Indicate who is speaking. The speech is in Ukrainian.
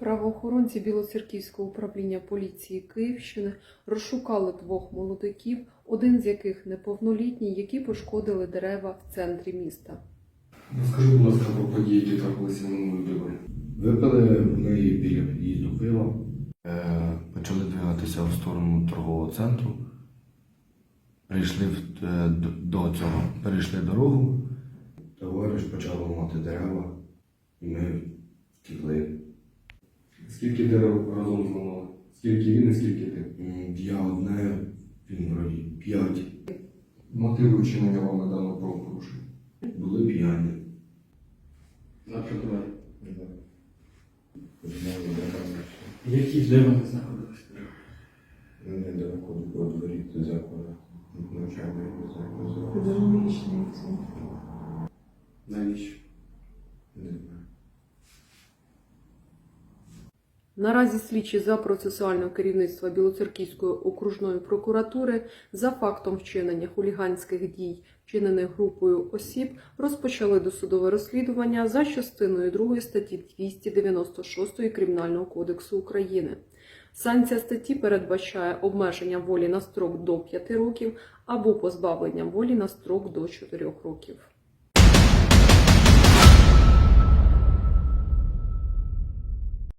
Speaker 1: Правоохоронці Білоцерківського управління поліції Київщини розшукали двох молодиків, один з яких неповнолітній, які пошкодили дерева в центрі міста.
Speaker 2: Розкажи, будь ласка, про події, які трапилися минулої доби.
Speaker 3: Випили ми біля під'їзду пива, почали двигатися в сторону торгового центру, перейшли дорогу, товариш почав ламати дерева, і ми втекли.
Speaker 2: Скільки дерев разом зламали? Скільки він і скільки ти?
Speaker 3: Я одне, він вроді 5.
Speaker 2: Мотиви вчинення вами даного правопорушення?
Speaker 3: Були п'яні.
Speaker 2: Наприклад.
Speaker 4: Які де вони знаходилися?
Speaker 3: Недалеко до дворі, до закладу. Навчання, не знаю, називається.
Speaker 1: Педагогічний центр.
Speaker 2: Навіщо?
Speaker 3: Не знаю.
Speaker 1: Наразі слідчі за процесуального керівництва Білоцерківської окружної прокуратури за фактом вчинення хуліганських дій, вчинених групою осіб, розпочали досудове розслідування за частиною 2 статті 296 Кримінального кодексу України. Санкція статті передбачає обмеження волі на строк до 5 років або позбавлення волі на строк до 4 років.